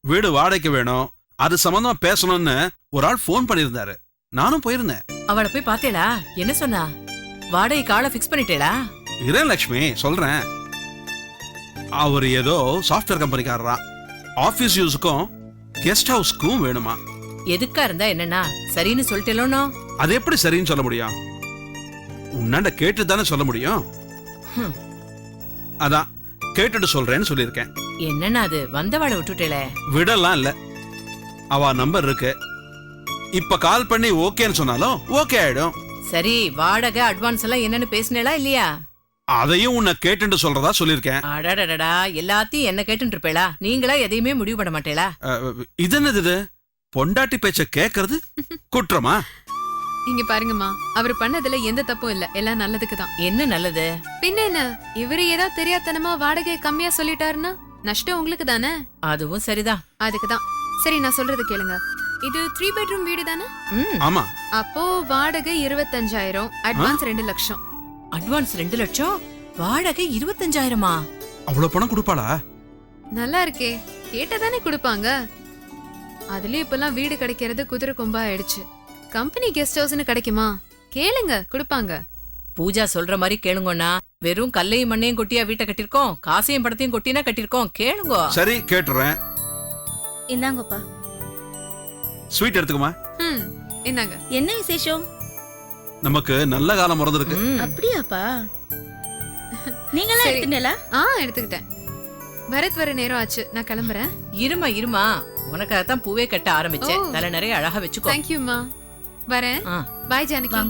வீடு வாடகைக்கு வேணும், அது சம்பந்தமா பேசணும்னு ஒரு ஆள் போன் பண்ணியிருந்தாரு. நானும் போயிருந்தேன். அவளை போய் பாத்தேளா? என்ன சொன்னா? வாடகை காலை பிக்ஸ் பண்ணிட்டேளா? இரேன் லட்சுமி, சொல்றேன். அவர் ஏதோ சாஃப்ட்வேர் கம்பெனிக்காரரா, ஆபீஸ் யூஸுக்கும் கெஸ்ட் ஹவுஸ்க்கும் வேணுமா. எதுக்கா இருந்தா என்னன்னா சரின்னு சொல்லிட்டேலோனோ? அது எப்படி சரின்னு சொல்ல முடியும்? உன்னாண்ட கேட்டு தானே சொல்ல முடியும். அதான் கேட்டுட்டு சொல்றேன்னு சொல்லியிருக்கேன். என்னன்னா அது வந்தவாளை விட்டுட்டேல? விடலாம் இல்ல, அவ நம்பர் இருக்கு. இப்ப கால் பண்ணி ஓகேன்னு சொன்னாலும் ஓகே ஆயிடும். சரி, வாடகை அட்வான்ஸ் எல்லாம் என்னன்னு பேசினேளா இல்லையா? அதையும் உன்னை கேட்டுட்டு சொல்றதா சொல்லியிருக்கேன். அடடடடா, எல்லாத்தையும் என்ன கேட்டுட்டு இருப்பேளா? நீங்களா எதையுமே முடிவு பண்ண மாட்டேளா? இது என்னது இது? பொண்டாட்டி பேச்ச கேக்குறது குற்றமா? இங்க பாருங்கம்மா, அவர் பண்ணதுல எந்த தப்பும் இல்ல, எல்லாம் நல்லதுக்கு தான். என்ன நல்லது? பின்ன என்ன, இவரு ஏதோ தெரியாதனமா வாடகை கம்மியா சொல்லிட்டாருன்னா நஷ்டம் உங்களுக்கு தானே. அதுவும் சரிதான். அதுக்குதான். சரி, நான் சொல்றது கேளுங்க. இது 3 பெட்ரூம் வீடு தானே? ஆமா. அப்போ வாடகை 25,000, அட்வான்ஸ் 2 லட்சம். அட்வான்ஸ் 2 லட்சம், வாடகை 25,000மா? அவ்வளவு பணம் கொடுப்பாளா? நல்லா இருக்கே, கேட்டதானே கொடுப்பாங்க. அதுலயும் இப்பெல்லாம் வீடு கிடைக்கிறது குதிரை கொம்பா ஆயிடுச்சு. கம்பெனி கெஸ்ட் ஹவுஸ்னு கிடைக்குமா? கேளுங்க, கொடுப்பாங்க. பூஜா சொல்ற மாதிரி கேளுங்கண்ணா. வெறும் கல்லையும் மண்ணையும் கொட்டியா வீட்டை கட்டிருக்கோம், காசையும் படத்தையும் கொட்டினா கட்டிருக்கோம். கேளுங்க. சரி, கேட்டுறேன். இந்தாங்கப்பா. ஸ்வீட் எடுத்துக்குமா. என்னங்க? என்ன விசேஷம்? நமக்கு நல்ல காலம் பிறந்திருக்கு. அப்படியாப்பா? நீங்களா சரி. எடுத்துட்டீங்களா? எடுத்துக்கிட்டேன். பரத் வர நேரம் ஆச்சு, நான் கிளம்புறேன். இருமா, உனக்காகத்தான் பூவே கட்ட ஆரம்பிச்சேன். ஓ. தலை நிறைய அழகா வச்சுக்கோ. தேங்க்யூம்மா. வரேன். ஆ. பாய் ஜானகி.